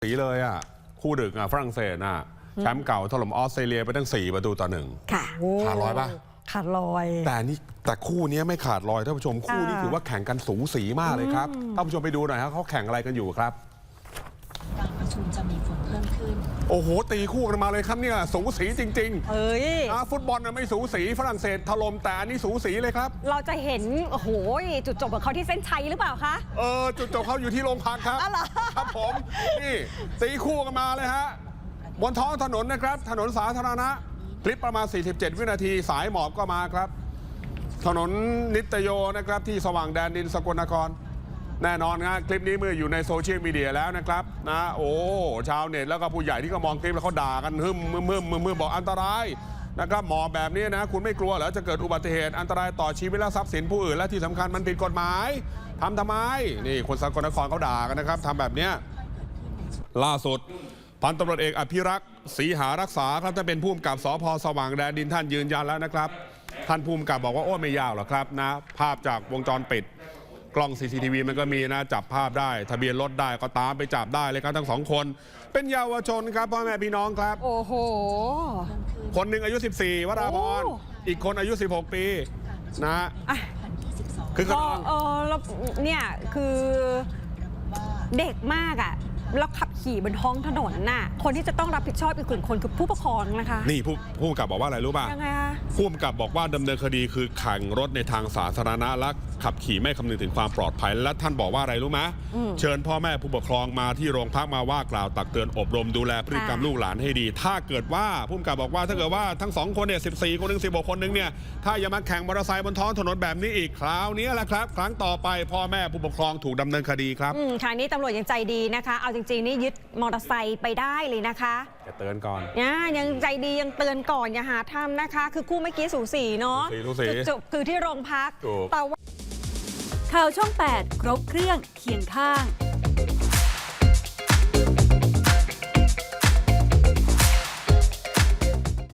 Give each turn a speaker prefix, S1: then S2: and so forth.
S1: สีเลยอ่ะคู่ดึกอ่ะฝรั่งเศสอ่ะแชมป์เก่าถล่มออสเตรเลียไปตั้ง4-1
S2: ค่ะ
S1: ขาดลอยป่ะ
S2: ขาดลอย
S1: แต่คู่นี้ไม่ขาดลอยท่านผู้ชมคู่นี้ถือว่าแข่งกันสูสีมากเลยครับท่านผู้ชมไปดูหน่อยครับเขาแข่งอะไรกันอยู่ครับ
S3: การประชุมจะมีฝนเพิ่มขึ้น
S1: โอ้โหตีคู่กันมาเลยครับเนี่ยสูสีจริง
S2: เอ้ย
S1: ฟุตบอลน่ะไม่สูสีฝรั่งเศสถล่มแต่อันนี้สูสีเลยครับ
S2: เราจะเห็นโอ้โหจุดจบของเขาที่เส้นชัยหรือเปล่าคะ
S1: จุดจบเขาอยู่ที่โรงพักครับครับผมนี่ตีคู่กันมาเลยฮะบนท้องถนนนะครับถนนสาธารณะคลิปประมาณ47วินาทีสายหมอบก็มาครับถนนนิตโยนะครับที่สว่างแดนดินสกลนครแน่นอนครับคลิปนี้เมื่ออยู่ในโซเชียลมีเดียแล้วนะครับนะโอ้ชาวเน็ตแล้วก็ผู้ใหญ่ที่ก็มองคลิปแล้วเขาด่ากันมึมบอกอันตรายนะครับหมอบแบบนี้นะคุณไม่กลัวเหรอจะเกิดอุบัติเหตุอันตรายต่อชีวิตและทรัพย์สินผู้อื่นและที่สำคัญมันผิดกฎหมายทำไมนี่คนสกลนครเขาด่ากันนะครับทำแบบนี้ล่าสุดพันตำรวจเอกอภิรักษ์ศรีหารักษาครับท่านเป็นผู้กำกับสภ.สว่างแดนดินท่านยืนยันแล้วนะครับท่านผู้กำกับบอกว่าโอ้ไม่ยากหรอกครับนะภาพจากวงจรปิดกล้อง CCTV มันก็มีนะจับภาพได้ทะเบียนรถได้ก็ตามไปจับได้เลยครับทั้งสองคนเป็นเยาวชนครับพ่อแม่พี่น้องครับ
S2: โอ้โห
S1: คนหนึ่งอายุ14วราพรอีกคนอายุ16ปีนะคือ
S2: แล้วเนี่ยคือเด็กมากอ่ะแล้วขับขี่บนท้องถนนน่ะคนที่จะต้องรับผิดชอบอีกกลุ่มคนคือผู้ปกครองนะคะ
S1: นี่ผู้กำกับบอกว่าอะไรรู้ป่ะ
S2: ยังไงคะ
S1: ผู้กำกับบอกว่าดำเนินคดีคือแข่งรถในทางสาธารณะและขับขี่ไม่คำนึงถึงความปลอดภัยและท่านบอกว่าอะไรรู้ไหมเชิญพ่อแม่ผู้ปกครองมาที่โรงพักมาว่ากล่าวตักเตือนอบรมดูแลพฤติกรรมลูกหลานให้ดีถ้าเกิดว่าผู้กำกับบอกว่าถ้าเกิดว่าทั้ง2คนเนี่ย14คนหนึ่ง16คนหนึ่งเนี่ยถ้าอย่ามาแข่งมอเตอร์ไซค์บนท้องถนนแบบนี้อีกคราวนี้แหละครับครั้งต่อไปพ่อแม่ผู้ปกครองถูกดำเนินคดีครับ
S2: คราวนี้ตำรวจยังใจดีนะคะเอาจริงๆนี่ยึดมอเตอร์ไซค์ไปได้เลยนะคะ
S1: จะเตือนก่อน
S2: ยังใจดียังเตือนก่อนอย่าหาทำนะคะคือคู่เมื่อกี้สูสีเนาะจุดจบคือที่โรงพัก
S1: แต่ว่า
S4: ข่าวช่อง 8 ครบเครื่องเคียงข้าง